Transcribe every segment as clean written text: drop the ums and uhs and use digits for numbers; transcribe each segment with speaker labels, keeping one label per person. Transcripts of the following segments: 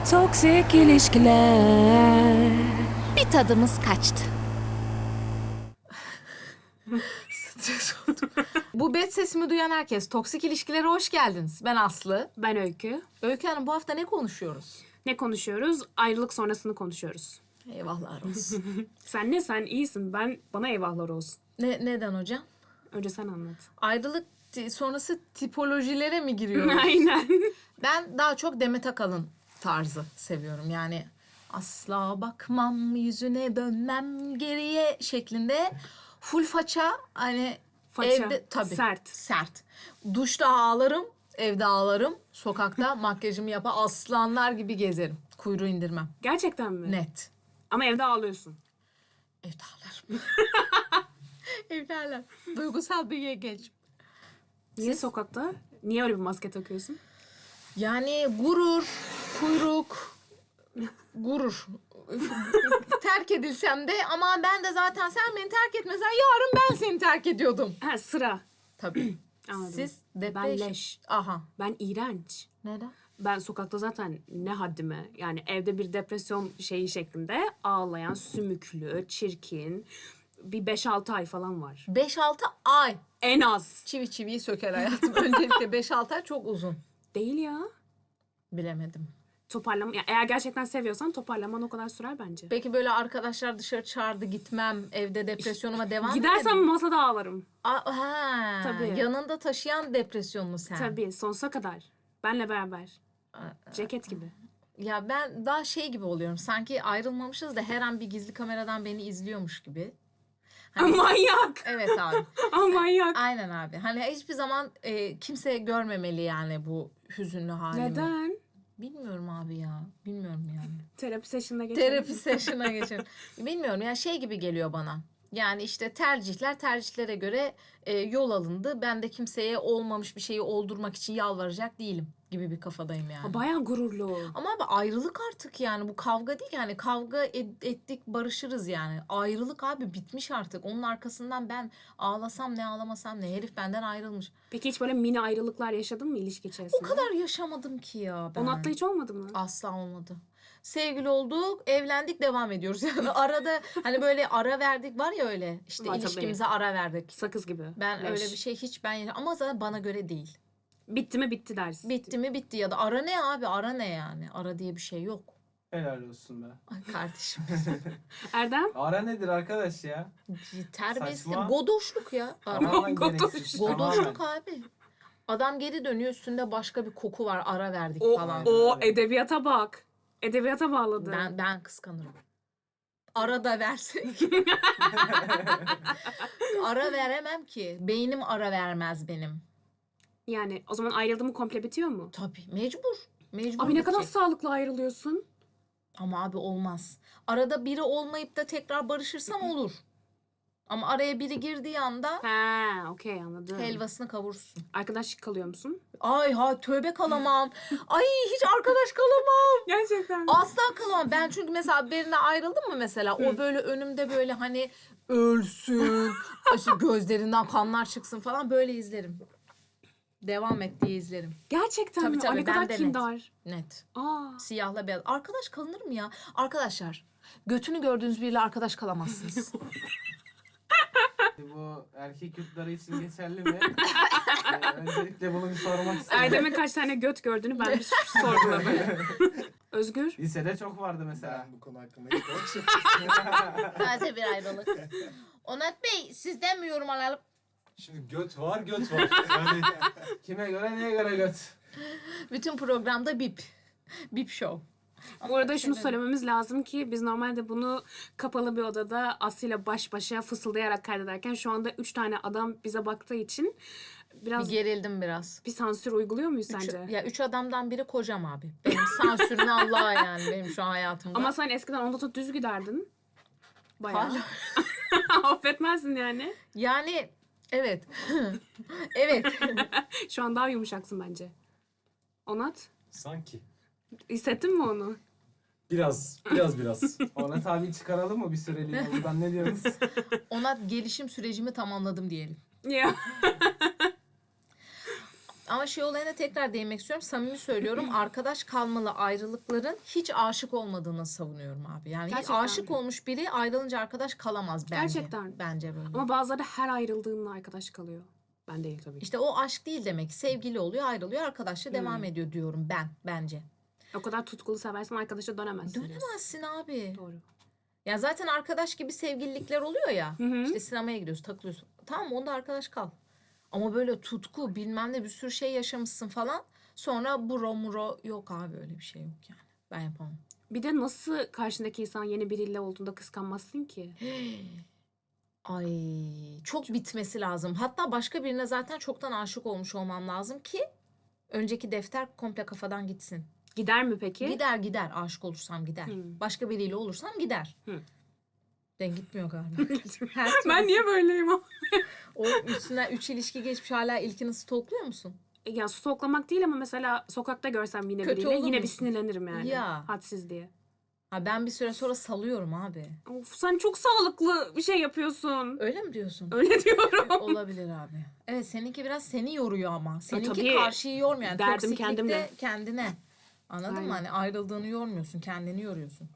Speaker 1: Toksik ilişkiler.
Speaker 2: Bir tadımız kaçtı.
Speaker 3: Stres oldum. Bu bet sesimi duyan herkes, toksik ilişkilere hoş geldiniz. Ben Aslı.
Speaker 4: Ben Öykü.
Speaker 3: Öykü Hanım, bu hafta ne konuşuyoruz?
Speaker 4: Ne konuşuyoruz? Ayrılık sonrasını konuşuyoruz.
Speaker 3: Eyvahlar olsun.
Speaker 4: Sen iyisin. Bana eyvahlar olsun.
Speaker 3: Neden hocam?
Speaker 4: Önce sen anlat.
Speaker 3: Ayrılık sonrası tipolojilere mi giriyoruz?
Speaker 4: Aynen.
Speaker 3: Ben daha çok Demet Akalın tarzı seviyorum. Yani asla bakmam, yüzüne dönmem geriye şeklinde full faça, hani
Speaker 4: Faça,
Speaker 3: evde tabii
Speaker 4: sert.
Speaker 3: sert. Duşta ağlarım, evde ağlarım, sokakta makyajımı yapar, aslanlar gibi gezerim. Kuyruğu indirmem.
Speaker 4: Gerçekten mi?
Speaker 3: Net.
Speaker 4: Ama evde ağlıyorsun.
Speaker 3: Evde ağlarım. Evde ağlarım. Duygusal bir yengeç.
Speaker 4: Niye sokakta? Niye öyle bir maske takıyorsun?
Speaker 3: Yani gurur, kuyruk, gurur. Terk edilsem de ama ben de zaten sen beni terk etmesen yarın ben seni terk ediyordum.
Speaker 4: Ha, sıra.
Speaker 3: Tabii.
Speaker 4: Anladım.
Speaker 3: Siz
Speaker 4: Ben
Speaker 3: depresyon.
Speaker 4: leş.
Speaker 3: Aha.
Speaker 4: Ben iğrenç.
Speaker 3: Neden?
Speaker 4: Ben sokakta zaten ne haddime, yani evde bir depresyon şeyi şeklinde ağlayan, sümüklü, çirkin bir 5-6 ay falan var.
Speaker 3: 5-6 ay.
Speaker 4: En az.
Speaker 3: Çivi çiviyi söker hayatım. Öncelikle 5-6 ay çok uzun.
Speaker 4: Değil ya.
Speaker 3: Bilemedim.
Speaker 4: Toparlama, yani eğer gerçekten seviyorsan toparlaman o kadar sürer bence.
Speaker 3: Peki böyle arkadaşlar dışarı çağırdı, gitmem, evde depresyonuma devam
Speaker 4: Gidersem
Speaker 3: edelim.
Speaker 4: masada ağlarım.
Speaker 3: Ha,
Speaker 4: Tabii.
Speaker 3: yanında taşıyan depresyon mu sen?
Speaker 4: Tabii, sonsuza kadar. Benle beraber. Ceket gibi.
Speaker 3: Ya ben daha şey gibi oluyorum. Sanki ayrılmamışız da her an bir gizli kameradan beni izliyormuş gibi. Hani-
Speaker 4: Manyak.
Speaker 3: Evet abi.
Speaker 4: Manyak.
Speaker 3: Aynen abi. Hani hiçbir zaman kimse görmemeli yani bu hüzünlü halimi.
Speaker 4: Neden?
Speaker 3: Bilmiyorum abi ya. Bilmiyorum yani.
Speaker 4: Terapi session'ına geçelim.
Speaker 3: Terapi session'a geçelim. Bilmiyorum ya, şey gibi geliyor bana. Yani işte tercihlere göre yol alındı. Ben de kimseye olmamış bir şeyi oldurmak için yalvaracak değilim gibi bir kafadayım yani.
Speaker 4: Bayağı gururlu.
Speaker 3: Ama abi ayrılık artık yani, bu kavga değil yani, kavga ettik barışırız yani. Ayrılık abi bitmiş artık. Onun arkasından ben ağlasam ne ağlamasam ne, herif benden ayrılmış.
Speaker 4: Peki hiç böyle mini ayrılıklar yaşadın mı ilişki içerisinde?
Speaker 3: O kadar yaşamadım ki ya ben.
Speaker 4: Onat'la hiç olmadı mı?
Speaker 3: Asla olmadı. Sevgili olduk, evlendik, devam ediyoruz. Yani arada hani böyle ara verdik var ya, öyle işte
Speaker 4: Var tabii.
Speaker 3: ilişkimize ara verdik.
Speaker 4: Sakız gibi.
Speaker 3: Ben
Speaker 4: Leş.
Speaker 3: öyle bir şey hiç ama zaten bana göre değil.
Speaker 4: Bitti mi bitti dersin.
Speaker 3: Bitti mi bitti, ya da ara ne abi, ara ne yani? Ara diye bir şey yok.
Speaker 5: Helal olsun be.
Speaker 3: Ay kardeşim.
Speaker 4: Erdem?
Speaker 5: Ara nedir arkadaş ya?
Speaker 3: Terbiyesiz.
Speaker 5: Saçma.
Speaker 3: Godoşluk ya. Ara.
Speaker 5: Tamamen
Speaker 4: Godoş.
Speaker 5: gereksiz.
Speaker 3: Godoşluk
Speaker 5: Tamamen.
Speaker 3: abi. Adam geri dönüyor, üstünde başka bir koku var, ara verdik
Speaker 4: O,
Speaker 3: falan.
Speaker 4: o edebiyata bak. Edebiyata bağladı.
Speaker 3: Ben kıskanırım. Ara da versek. Ara veremem ki. Beynim ara vermez benim.
Speaker 4: Yani o zaman ayrıldı mı komple bitiyor mu?
Speaker 3: Tabii mecbur. Mecbur
Speaker 4: Abi ne kadar
Speaker 3: bitecek.
Speaker 4: sağlıklı ayrılıyorsun.
Speaker 3: Ama abi olmaz. Arada biri olmayıp da tekrar barışırsam olur. Ama araya biri girdiği anda
Speaker 4: Ha, okey anladım.
Speaker 3: helvasını kavurursun.
Speaker 4: Arkadaşlık kalıyor musun?
Speaker 3: Ay ha, tövbe kalamam. Ay hiç arkadaş kalamam.
Speaker 4: Gerçekten.
Speaker 3: Asla kalamam. Ben çünkü mesela birine ayrıldım mı mesela, o böyle önümde böyle hani ölsün, işte gözlerinden kanlar çıksın falan, böyle izlerim. Devam et diye izlerim.
Speaker 4: Gerçekten
Speaker 3: Tabii,
Speaker 4: mi?
Speaker 3: tabii,
Speaker 4: Ay ne kadar
Speaker 3: ben de net.
Speaker 4: kindar.
Speaker 3: Net.
Speaker 4: Aa.
Speaker 3: Siyahla beyaz. Arkadaş kalınır mı ya? Arkadaşlar, götünü gördüğünüz biriyle arkadaş kalamazsınız.
Speaker 5: Bu erkek yurtları için geçerli mi? Öncelikle bunu bir sormak istedim.
Speaker 4: Erdem'in kaç tane göt gördüğünü ben bir sorguladım. Özgür?
Speaker 5: Lisede çok vardı mesela.
Speaker 6: Ben bu konu hakkında hiç
Speaker 3: Taze bir ayrılık. Onat Bey, sizden mi yorum alalım?
Speaker 6: Şimdi göt var, göt var. Yani
Speaker 5: Kime göre neye göre göt?
Speaker 3: Bütün programda bip. Bip show.
Speaker 4: Bu arada şunu söylememiz lazım ki biz normalde bunu kapalı bir odada Aslı'yla baş başa fısıldayarak kaydederken şu anda 3 tane adam bize baktığı için biraz
Speaker 3: Bir gerildim biraz.
Speaker 4: bir sansür uyguluyor muyuz sence?
Speaker 3: Ya 3 adamdan biri kocam abi. Benim sansürün Allah'a yani, benim şu an hayatımda.
Speaker 4: Ama sen eskiden onda tut düz giderdin. Bayağı.
Speaker 3: Hala.
Speaker 4: Affetmezdin yani.
Speaker 3: Yani evet. Evet.
Speaker 4: Şu an daha yumuşaksın bence. Onat,
Speaker 6: sanki.
Speaker 4: hissettin mi onu?
Speaker 6: Biraz.
Speaker 5: Onat abi çıkaralım mı bir süreliğine buradan, ne diyorsunuz?
Speaker 3: Ona gelişim sürecimi tamamladım diyelim.
Speaker 4: Ya.
Speaker 3: Ama şey olayına tekrar değinmek istiyorum. Samimi söylüyorum. Arkadaş kalmalı ayrılıkların hiç aşık olmadığını savunuyorum abi. Yani hiç
Speaker 4: Gerçekten.
Speaker 3: aşık olmuş biri ayrılınca arkadaş kalamaz bence.
Speaker 4: Gerçekten.
Speaker 3: Bence böyle.
Speaker 4: Ama bazıları her ayrıldığında arkadaş kalıyor. Ben değil tabii ki.
Speaker 3: İşte o aşk değil demek. Sevgili oluyor, ayrılıyor, arkadaşla devam ediyor diyorum ben bence.
Speaker 4: O kadar tutkulu seversen arkadaşa dönemezsin. diyorsun.
Speaker 3: Dönemezsin abi.
Speaker 4: Doğru.
Speaker 3: Ya zaten arkadaş gibi sevgililikler oluyor ya.
Speaker 4: hı.
Speaker 3: İşte sinemaya gidiyorsun, takılıyorsun. Tamam, onda arkadaş kal. Ama böyle tutku, bilmem ne, bir sürü şey yaşamışsın falan. Sonra bro muro yok abi, öyle bir şey yok yani. Ben yapamam.
Speaker 4: Bir de nasıl karşındaki insan yeni biriyle olduğunda kıskanmazsın ki?
Speaker 3: Ay, çok bitmesi lazım. Hatta başka birine zaten çoktan aşık olmuş olmam lazım ki önceki defter komple kafadan gitsin.
Speaker 4: Gider mi peki?
Speaker 3: Gider aşık olursam gider. Başka biriyle olursam gider. Ben gitmiyor galiba. Her türlü.
Speaker 4: Ben niye böyleyim o?
Speaker 3: O üstünden 3 ilişki geçmiş, hala ilkini stalkluyor musun?
Speaker 4: Ya stalklamak değil ama mesela sokakta görsem yine
Speaker 3: Kötü
Speaker 4: biriyle
Speaker 3: olur
Speaker 4: yine bir
Speaker 3: musun?
Speaker 4: sinirlenirim yani.
Speaker 3: Ya.
Speaker 4: Hadsiz diye.
Speaker 3: Ha, ben bir süre sonra salıyorum abi.
Speaker 4: Of, sen çok sağlıklı bir şey yapıyorsun.
Speaker 3: Öyle mi diyorsun?
Speaker 4: Öyle diyorum.
Speaker 3: Olabilir abi. Evet, seninki biraz seni yoruyor ama. Seninki
Speaker 4: tabii.
Speaker 3: karşıyı yormuyor. Yani
Speaker 4: Derdim
Speaker 3: toksiklikte
Speaker 4: kendimle.
Speaker 3: kendine. Anladın
Speaker 4: Aynen.
Speaker 3: mı? Hani ayrıldığını yormuyorsun. Kendini yoruyorsun.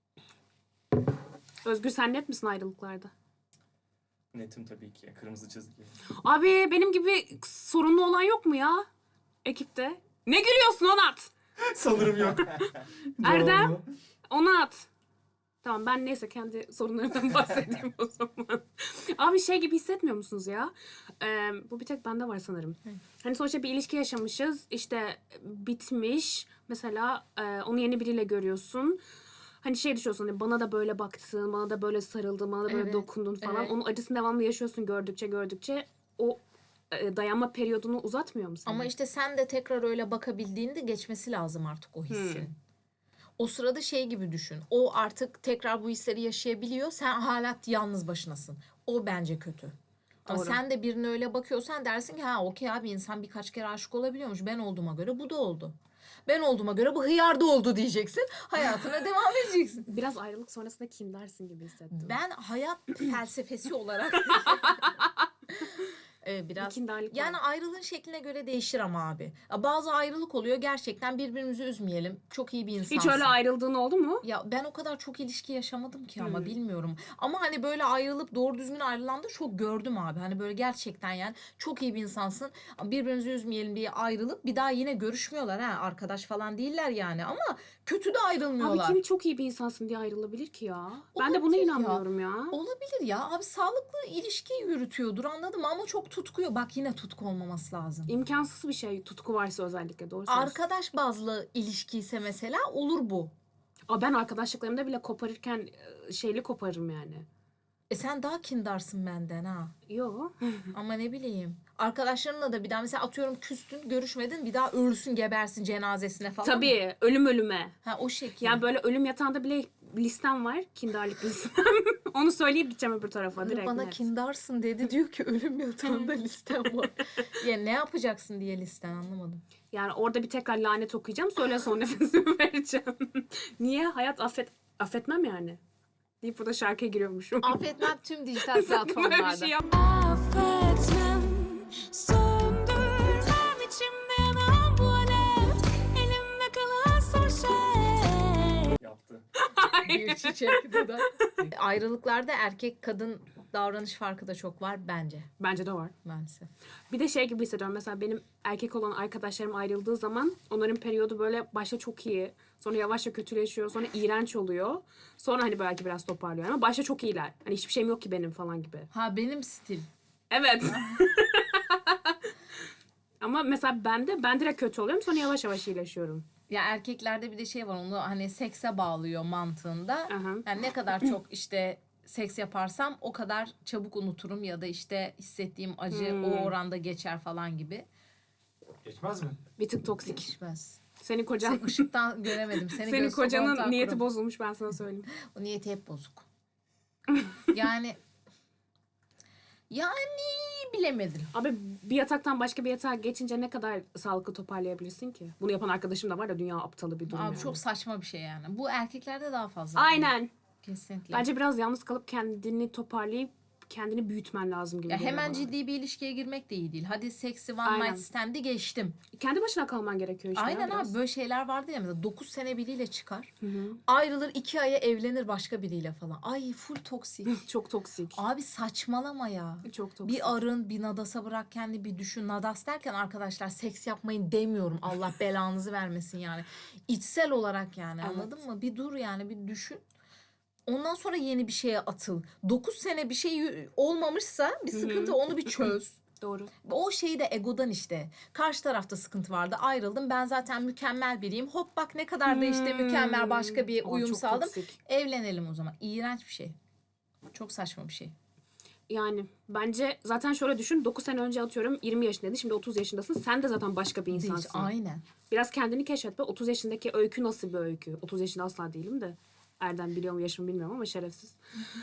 Speaker 4: Özgür, sen net misin ayrılıklarda?
Speaker 6: Netim tabii ki. Kırmızı çizgi.
Speaker 4: Abi benim gibi sorunlu olan yok mu ya? Ekipte. Ne gülüyorsun Onat?
Speaker 6: Sanırım yok.
Speaker 4: Erdem?
Speaker 6: Doğru.
Speaker 4: Onat. Tamam, ben neyse kendi sorunlarımdan bahsedeyim o zaman. Abi şey gibi hissetmiyor musunuz ya? Bu bir tek bende var sanırım. Hani sonuçta bir ilişki yaşamışız. İşte bitmiş. Mesela onu yeni biriyle görüyorsun. Hani şey düşünüyorsun, hani bana da böyle baktın, bana da böyle sarıldın, bana da böyle
Speaker 3: Evet,
Speaker 4: dokundun falan.
Speaker 3: evet.
Speaker 4: Onun acısını devamlı yaşıyorsun gördükçe. O dayanma periyodunu uzatmıyor mu seni?
Speaker 3: Ama işte sen de tekrar öyle bakabildiğinde geçmesi lazım artık o hissin. O sırada şey gibi düşün. O artık tekrar bu hisleri yaşayabiliyor. Sen hala yalnız başınasın. O bence kötü. Ama
Speaker 4: Doğru.
Speaker 3: sen de birine öyle bakıyorsan dersin ki ha okey abi, insan birkaç kere aşık olabiliyormuş. Ben olduğuma göre bu da oldu. Ben olduğuma göre bu hıyar da oldu diyeceksin. Hayatına devam edeceksin.
Speaker 4: Biraz ayrılık sonrasında kindersin gibi hissettim.
Speaker 3: Ben hayat felsefesi olarak biraz
Speaker 4: kindarlık
Speaker 3: yani
Speaker 4: var.
Speaker 3: ayrılığın şekline göre değişir ama abi. Ya bazı ayrılık oluyor, gerçekten birbirimizi üzmeyelim. Çok iyi bir insansın.
Speaker 4: Hiç öyle ayrıldığın oldu mu?
Speaker 3: Ya ben o kadar çok ilişki yaşamadım ki ama bilmiyorum. Ama hani böyle ayrılıp doğru düzgün ayrılan da çok gördüm abi. Hani böyle gerçekten yani çok iyi bir insansın. Birbirimizi üzmeyelim diye ayrılıp bir daha yine görüşmüyorlar ha. Arkadaş falan değiller yani ama kötü de ayrılmıyorlar.
Speaker 4: Abi kim çok iyi bir insansın diye ayrılabilir ki ya? Ben de buna
Speaker 3: Olabilir ya.
Speaker 4: inanmıyorum ya.
Speaker 3: Olabilir ya. Abi sağlıklı ilişki yürütüyordur, anladın mı? Ama çok tutkuyor. Bak, yine tutku olmaması lazım.
Speaker 4: İmkansız bir şey, tutku varsa özellikle, doğru söylüyorsun.
Speaker 3: Arkadaş bazlı ilişki ise mesela olur bu.
Speaker 4: Aa, ben arkadaşlıklarımda bile koparırken şeyli koparırım yani.
Speaker 3: Sen daha kindarsın benden ha.
Speaker 4: Yo.
Speaker 3: Ama ne bileyim. Arkadaşlarınla da bir daha mesela atıyorum küstün, görüşmedin, bir daha ölsün gebersin cenazesine falan.
Speaker 4: Tabii, ölüm ölüme.
Speaker 3: Ha, o şekil.
Speaker 4: Yani böyle ölüm yatağında bile listem var. Kindarlık listem. Onu söyleyip gideceğim öbür tarafa direkt.
Speaker 3: bana
Speaker 4: net.
Speaker 3: kindarsın dedi, diyor ki ölüm yatağında listem var. Ya ne yapacaksın diye listen, anlamadım.
Speaker 4: Yani orada bir tekrar lanet okuyacağım. Sonra son nefesimi vereceğim. Niye? Hayat affetmem yani. Deyip burada şarkıya giriyormuşum.
Speaker 3: Affetmem tüm dijital
Speaker 4: Böyle bir
Speaker 3: platformlarda.
Speaker 4: şey yap.
Speaker 1: Affetmem, söndürmem içimde yanan bu alev. Elimde kalan son şey.
Speaker 6: Yaptı.
Speaker 3: Bir çiçek dudak. Ayrılıklarda erkek kadın davranış farkı da çok var bence,
Speaker 4: Bence de var.
Speaker 3: maalesef.
Speaker 4: Bir de şey gibi hissediyorum. Mesela benim erkek olan arkadaşlarım ayrıldığı zaman onların periyodu böyle başta çok iyi. Sonra yavaşça kötüleşiyor. Sonra iğrenç oluyor. Sonra hani belki biraz toparlıyor. Ama başta çok iyiler. Hani hiçbir şeyim yok ki benim falan gibi.
Speaker 3: Ha, benim stil.
Speaker 4: Evet. Ama mesela ben direkt kötü oluyorum. Sonra yavaş yavaş iyileşiyorum.
Speaker 3: Ya erkeklerde bir de şey var, onu hani sekse bağlıyor mantığında.
Speaker 4: Aha.
Speaker 3: Yani ne kadar çok işte seks yaparsam o kadar çabuk unuturum ya da işte hissettiğim acı o oranda geçer falan gibi.
Speaker 6: Geçmez mi?
Speaker 4: Bir tık toksik.
Speaker 3: Geçmez.
Speaker 4: Senin kocan...
Speaker 3: Sen ışıktan göremedim. Seni
Speaker 4: Senin
Speaker 3: göz kapağı
Speaker 4: kocanın
Speaker 3: takırım.
Speaker 4: niyeti bozulmuş, ben sana söyleyeyim.
Speaker 3: O niyeti hep bozuk. Yani bilemedim.
Speaker 4: Abi bir yataktan başka bir yatağa geçince ne kadar sağlıklı toparlayabilirsin ki? Bunu yapan arkadaşım da var da dünya aptalı bir durum
Speaker 3: Abi
Speaker 4: yani.
Speaker 3: çok saçma bir şey yani. Bu erkeklerde daha fazla.
Speaker 4: Aynen.
Speaker 3: Kesinlikle.
Speaker 4: Bence biraz yalnız kalıp kendini toparlayıp kendini büyütmen lazım gibi
Speaker 3: Ya
Speaker 4: geliyor
Speaker 3: hemen
Speaker 4: bana.
Speaker 3: ciddi bir ilişkiye girmek de iyi değil. Hadi seksi one
Speaker 4: Aynen.
Speaker 3: night stand'i geçtim.
Speaker 4: Kendi başına kalman gerekiyor işte.
Speaker 3: Aynen
Speaker 4: ya biraz.
Speaker 3: abi, böyle şeyler vardı ya, mesela 9 sene biriyle çıkar.
Speaker 4: Hı hı.
Speaker 3: Ayrılır, 2 aya evlenir başka biriyle falan. Ay full toksik.
Speaker 4: Çok toksik.
Speaker 3: Abi saçmalama ya.
Speaker 4: Çok toksik.
Speaker 3: Bir arın, bir nadasa bırak kendi, bir düşün. Nadas derken arkadaşlar seks yapmayın demiyorum. Allah belanızı vermesin yani. İçsel olarak yani,
Speaker 4: Evet.
Speaker 3: anladın mı? Bir dur yani, bir düşün. Ondan sonra yeni bir şeye atıl. 9 sene bir şey olmamışsa bir sıkıntı, onu bir çöz.
Speaker 4: Doğru.
Speaker 3: O şeyi de egodan işte. Karşı tarafta sıkıntı vardı. Ayrıldım. Ben zaten mükemmel biriyim. Hop bak ne kadar da işte mükemmel başka bir
Speaker 4: Aa,
Speaker 3: uyum
Speaker 4: çok
Speaker 3: sağladım.
Speaker 4: toksik.
Speaker 3: Evlenelim o zaman. İğrenç bir şey. Çok saçma bir şey.
Speaker 4: Yani bence zaten şöyle düşün. 9 sene önce atıyorum 20 yaşındaydın. Şimdi 30 yaşındasın. Sen de zaten başka bir
Speaker 3: Değil.
Speaker 4: insansın.
Speaker 3: Aynen.
Speaker 4: Biraz kendini keşfetme. 30 yaşındaki öykü nasıl bir öykü? 30 yaşında asla değilim de. Erdem biliyor mu yaşımı bilmiyorum ama şerefsiz.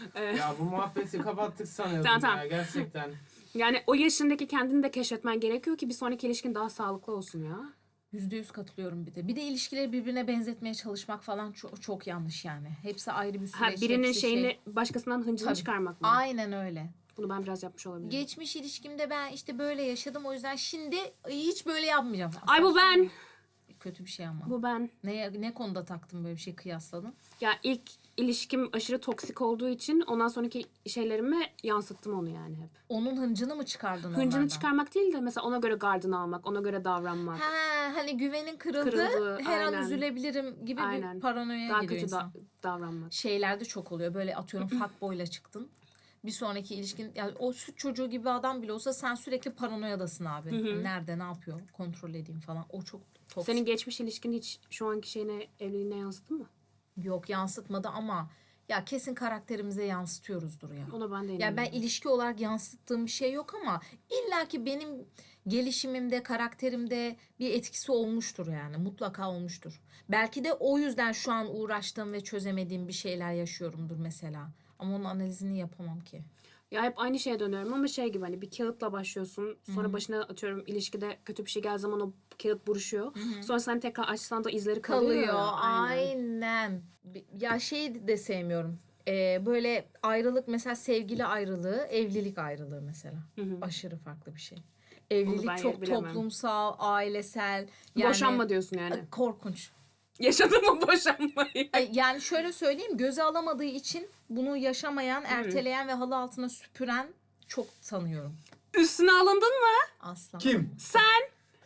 Speaker 5: Ya bu muhabbeti kapattık sanıyordum
Speaker 4: Tamam.
Speaker 5: ya gerçekten.
Speaker 4: Yani o yaşındaki kendini de keşfetmen gerekiyor ki bir sonraki ilişkin daha sağlıklı olsun ya.
Speaker 3: %100 katılıyorum bir de. Bir de ilişkileri birbirine benzetmeye çalışmak falan çok, çok yanlış yani. Hepsi ayrı bir süreç.
Speaker 4: Ha, birinin
Speaker 3: hepsi
Speaker 4: şeyini
Speaker 3: şey.
Speaker 4: başkasından hıncını
Speaker 3: Tabii.
Speaker 4: çıkarmak mı?
Speaker 3: Aynen öyle.
Speaker 4: Bunu ben biraz yapmış olabilirim.
Speaker 3: Geçmiş ilişkimde ben işte böyle yaşadım, o yüzden şimdi hiç böyle yapmayacağım.
Speaker 4: Ay bu ben.
Speaker 3: Kötü bir şey ama.
Speaker 4: Bu ben.
Speaker 3: Ne konuda taktın böyle bir şey, kıyasladın?
Speaker 4: Ya ilk ilişkim aşırı toksik olduğu için ondan sonraki şeylerime yansıttım onu yani hep.
Speaker 3: Onun hıncını mı çıkardın
Speaker 4: Hıncını
Speaker 3: onlardan?
Speaker 4: çıkarmak değil de mesela ona göre gardını almak, ona göre davranmak.
Speaker 3: Ha, hani güvenin kırıldı,
Speaker 4: Kırıldı,
Speaker 3: her an
Speaker 4: aynen.
Speaker 3: üzülebilirim gibi
Speaker 4: Aynen.
Speaker 3: bir paranoya
Speaker 4: Daha
Speaker 3: giriyor
Speaker 4: kötü
Speaker 3: insan.
Speaker 4: davranmak.
Speaker 3: Şeylerde çok oluyor. Böyle atıyorum fuckboy'la çıktın. Bir sonraki ilişkin, yani o süt çocuğu gibi adam bile olsa sen sürekli paranoyadasın abi. Nerede, ne yapıyor, kontrol edeyim falan. O çok toksik.
Speaker 4: Senin geçmiş ilişkin hiç şu anki şeyine, evliliğine yansıttı mı?
Speaker 3: Yok, yansıtmadı ama ya kesin karakterimize yansıtıyoruzdur ya.
Speaker 4: Ona ben de
Speaker 3: Yani
Speaker 4: inanıyorum.
Speaker 3: ben ilişki olarak yansıttığım bir şey yok ama illaki benim gelişimimde, karakterimde bir etkisi olmuştur yani. Mutlaka olmuştur. Belki de o yüzden şu an uğraştığım ve çözemediğim bir şeyler yaşıyorumdur mesela. Ama onun analizini yapamam ki.
Speaker 4: Ya hep aynı şeye dönüyorum ama şey gibi hani bir kağıtla başlıyorsun. Sonra başına atıyorum ilişkide kötü bir şey geldiği zaman o kağıt buruşuyor. Sonra sen tekrar açsan da izleri kalıyor.
Speaker 3: Kalıyor.
Speaker 4: ya.
Speaker 3: Aynen. Ya şeyi de sevmiyorum. Böyle ayrılık, mesela sevgili ayrılığı, evlilik ayrılığı mesela. Aşırı farklı bir şey. Evlilik
Speaker 4: ben
Speaker 3: çok
Speaker 4: bilemem.
Speaker 3: toplumsal, ailesel. Yani,
Speaker 4: Boşanma diyorsun yani.
Speaker 3: Korkunç.
Speaker 4: Yaşadın mı boşanmayı?
Speaker 3: Yani şöyle söyleyeyim, göze alamadığı için bunu yaşamayan, erteleyen ve halı altına süpüren çok tanıyorum.
Speaker 4: Üstüne alındın mı?
Speaker 3: Asla.
Speaker 6: Kim?
Speaker 4: Sen.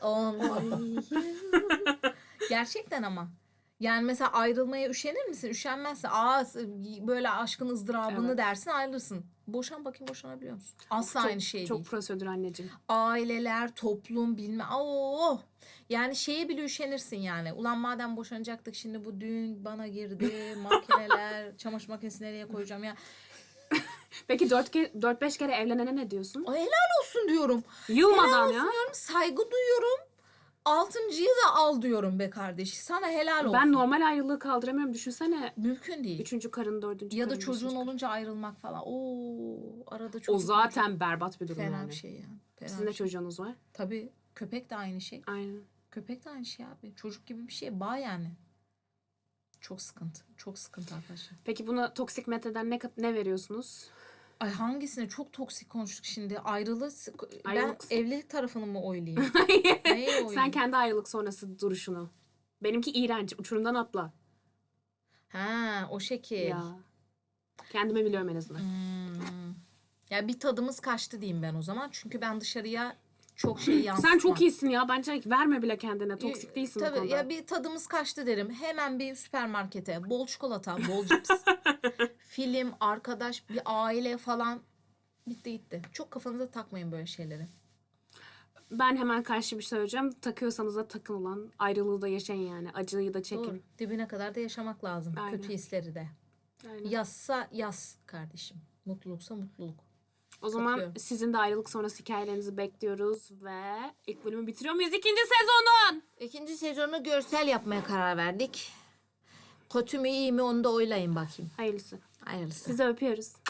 Speaker 3: Gerçekten ama. Yani mesela ayrılmaya üşenir misin? Üşenmezsin. Böyle aşkın ızdırabını
Speaker 4: Evet.
Speaker 3: dersin, ayrılırsın. Boşan bakayım, boşanabiliyor musun? Asla aynı şey
Speaker 4: Çok
Speaker 3: değil.
Speaker 4: prosedür anneciğim.
Speaker 3: Aileler, toplum, yani şeye bile üşenirsin yani. Ulan madem boşanacaktık, şimdi bu düğün bana girdi. Makineler, çamaşır makinesini nereye koyacağım ya.
Speaker 4: Peki 4-5 kere evlenene ne diyorsun?
Speaker 3: Ay, helal olsun diyorum.
Speaker 4: Yılmadan
Speaker 3: Helal
Speaker 4: ya.
Speaker 3: olsun diyorum. Saygı duyuyorum. 6.'yı da al diyorum be kardeş. Sana helal olsun.
Speaker 4: Ben normal ayrılığı kaldıramıyorum. Düşünsene.
Speaker 3: Mümkün değil.
Speaker 4: 3. karın, 4.
Speaker 3: Ya da
Speaker 4: karın,
Speaker 3: çocuğun
Speaker 4: 5.
Speaker 3: olunca ayrılmak falan. Arada çocuk.
Speaker 4: O zaten berbat bir durum
Speaker 3: fena
Speaker 4: yani.
Speaker 3: bir şey yani. Fena
Speaker 4: Sizin de
Speaker 3: bir şey.
Speaker 4: çocuğunuz var.
Speaker 3: Tabii köpek de aynı şey.
Speaker 4: Aynen.
Speaker 3: Köpek de aynı şey abi. Çocuk gibi bir şey. Bağ yani. Çok sıkıntı. Çok sıkıntı arkadaşlar.
Speaker 4: Peki buna toksik metreden ne veriyorsunuz?
Speaker 3: Ay hangisine? Çok toksik konuştuk şimdi. Ben
Speaker 4: Ayrılık.
Speaker 3: evlilik tarafını mı oylayayım? Neye oylayayım?
Speaker 4: Sen kendi ayrılık sonrası duruşunu. Benimki iğrenç. Uçurumdan atla.
Speaker 3: Ha, o şekil.
Speaker 4: Ya. Kendimi biliyorum en azından.
Speaker 3: Ya bir tadımız kaçtı diyeyim ben o zaman. Çünkü ben dışarıya çok şey yansıtmam.
Speaker 4: Sen çok iyisin ya. Bence verme bile kendine. Toksik değilsin bu
Speaker 3: Tabii
Speaker 4: konuda.
Speaker 3: ya, bir tadımız kaçtı derim. Hemen bir süpermarkete bol çikolata, bol cips, film, arkadaş, bir aile falan, bitti gitti. Çok kafanıza takmayın böyle şeyleri.
Speaker 4: Ben hemen karşı bir şey söyleyeceğim. Takıyorsanız da takın ulan. Ayrılığı da yaşayın yani. Acıyı da çekin.
Speaker 3: Doğru. Dibine kadar da yaşamak lazım.
Speaker 4: Aynen.
Speaker 3: Kötü hisleri de.
Speaker 4: Aynen.
Speaker 3: Yazsa yaz kardeşim. Mutluluksa mutluluk.
Speaker 4: O zaman
Speaker 3: Katılıyorum.
Speaker 4: sizin de ayrılık sonrası hikayelerinizi bekliyoruz ve ilk bölümü bitiriyor muyuz? 2. sezonun!
Speaker 3: 2. sezonu görsel yapmaya karar verdik. Kötü mü iyi mi onu da oylayın bakayım.
Speaker 4: Hayırlısı.
Speaker 3: Hayırlısı.
Speaker 4: Sizi öpüyoruz.